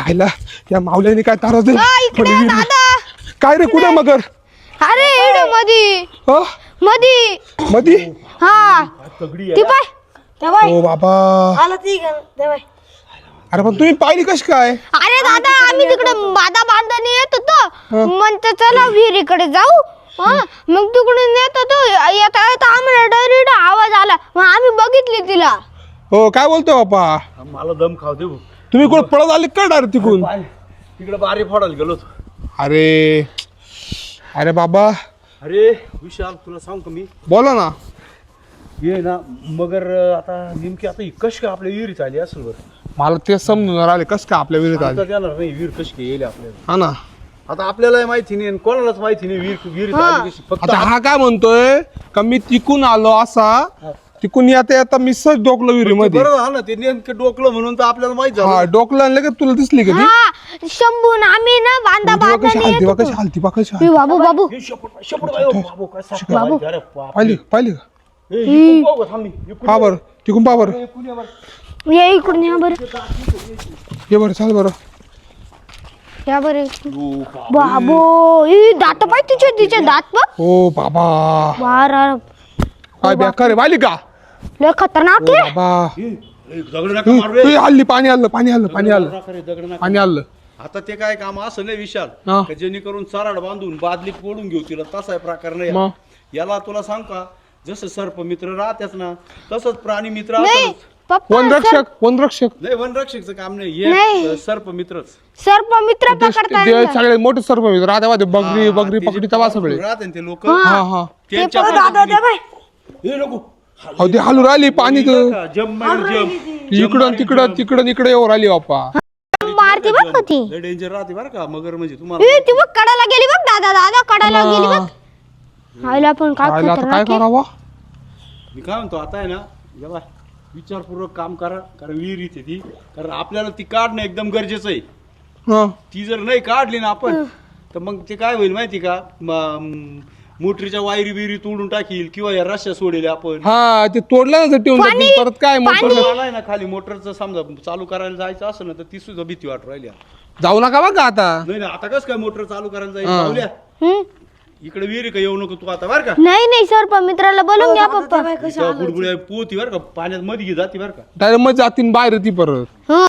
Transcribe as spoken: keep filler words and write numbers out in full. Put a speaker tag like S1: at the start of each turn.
S1: आयला या मावल्याने काय तारा दिला
S2: आ, इकडे ये दादा.
S1: काय रे कुठे मगर
S2: अरे इकडे मधी
S1: हो
S2: मधी
S1: मधी
S2: हा ती पाय त्या बाय
S1: ओ बाबा
S2: आला ती त्या बाय.
S1: अरे पण तुम्ही पाहिली कशी काय
S2: अरे दादा आम्ही तिकडे बादा बांधणी येत होतो म्हणतो चला विहिरीकडे जाऊ हा मग तिकडून येत होतो येता येता आम्हाला डायरेक्ट आवाज आला मग आम्ही बघितली तिला.
S1: हो काय बोलतोय बापा
S3: मला दम खाऊ दे
S1: तुम्ही कोण पळत आले का डायरेक्ट तिकून
S3: तिकडे बारी फोडायला गेलो होतो.
S1: अरे अरे बाबा
S3: अरे विशाल तुला सांग का मी
S1: बोला ना
S3: ये ना मगर आता नेमकी आता ही कशी काय आपल्या विहिरीत आली असेल बरं
S1: मला ते समजून राहिले कस काय आपल्या विरोधात आले
S3: आता येणार नाही विहीर कशी काय येईल आपल्याला
S1: हा ना
S3: आता आपल्याला माहिती नाही आणि कोणालाच माहिती नाही विहीर विहिरीत आली कशी फक्त
S1: आता हा काय म्हणतोय का मी तिकून आलो असा तिकून येता येता मी सहज डोकलो विहिरीमध्ये
S3: बरोबर हा ना ते नेमकं डोकलं म्हणून तर आपल्याला माहित
S1: हा
S3: झालं
S1: डोकलं आणलं का तुला दिसली का ती
S2: हा शंभून आम्ही ना बांधा
S1: तेव्हा कशी
S2: बांधणी
S1: हालती
S2: येत
S1: बा कशी
S2: होतो.
S1: हालती बा कशी
S2: ए,
S1: हालती
S2: बाबू बाबू
S3: हे शेपूट शेपूट बाई, ओ बाबू, काय साप
S2: बाबू.
S3: बाई, अरे बाप.
S1: पाहिली पाहिली का
S3: हे, इकडून पाहू का? थांब मी. इकडून
S1: पा बरं तिकून पा बरं
S3: इकडून ये बरं.
S2: ये इकडून या बरं
S1: ये बरं चाल बरं
S2: या बरं
S3: ओ बाप.
S2: बाबो ई दात पाय तिचे तिचे दात बघ
S1: ओ बाबा
S2: बारा
S1: काय बेकार आहे पाहिली का
S2: लय खतरनाक
S1: ओ
S2: आहे.
S1: बाबा
S3: हे, हे, दगड नका
S1: तू
S3: मारू रे.
S1: तू हल्ली पाणी आलं पाणी आलं पाणी आलं
S3: नका रे, दगड नका.
S1: पाणी आलं
S3: आता ते काय काम असं नाही विशाल
S1: हा.
S3: का जेणेकरून चराड बांधून बादलीत पोडून घेऊ तिला तसा आहे प्रकार नाही
S1: मग?
S3: याला तुला सांग का जसं सर्प मित्र राहतेच ना तसंच प्राणी मित्र
S2: नाही
S3: असतंच.
S2: पप्पा
S1: वनरक्षक वनरक्षक
S3: नाही वनरक्षकचं काम नाही
S2: नाही.
S3: हे सर्प मित्रच
S2: सर्प मित्र
S1: ते
S2: पकडताय
S1: सगळे मोठे सर्प राहते मध्ये बगरी
S3: हा,
S1: बगरी
S3: ते जे
S1: पकडी तवा सगळे
S3: राहते ना ते लोक
S1: हा हा
S3: त्यांच्या हे नको
S1: अहो ते हालू राहिली पाणी तर
S3: जम मार जम
S1: इकडं तिकडं तिकडं इकडे येऊ राहिली बाप्पा
S2: मारती बघ का ती
S3: लय डेंजर राहते बरं का मगर म्हणजे तुम्हाला
S2: ए, ती बघ कडाला गेली बघ दादा दादा कडाला गेली बघ आईला पण काय
S1: राहिलं आता काय
S2: खतरनाक आहे.
S1: करावा
S3: मी काय म्हणतो आता आहे ना जेव्हा विचारपूर्वक काम करा कारण विहीर इथे ती कारण आपल्याला ती काढणं एकदम गरजेचं आहे
S1: हा
S3: ती जर नाही काढली ना आपण तर मग ते काय होईल माहिती का म- मोटरीच्या वायरी बिरी तोडून टाकील किंवा या रस्त्या सोडेल आपण
S1: हा ते तोडलं ना ते ठेवून
S2: पाणी,
S1: टाकतील, परत काय मग
S2: पाणी.
S1: परत
S3: आलाय ना खाली मोटरचं समजा चालू करायला जायचं असेल ना तर ती सुद्धा भीती वाटू राहिली आता.
S1: जाऊ नका बघा आता
S3: नाही ना आता कसं काय मोटर चालू करायला जाईल
S1: हा.
S3: जाऊल्या
S2: हम्म?
S3: इकडे विहीर का येऊ नको तू आता बरं का
S2: नाही नाही सर्प मित्राला बोलून घ्या पप्पा
S3: इथं गुडगुड्या पोहती बरं का पाण्यात मध्ये जाते बरं का
S1: डायरेक्ट मग जातीन बाहेर ती परत
S2: हं.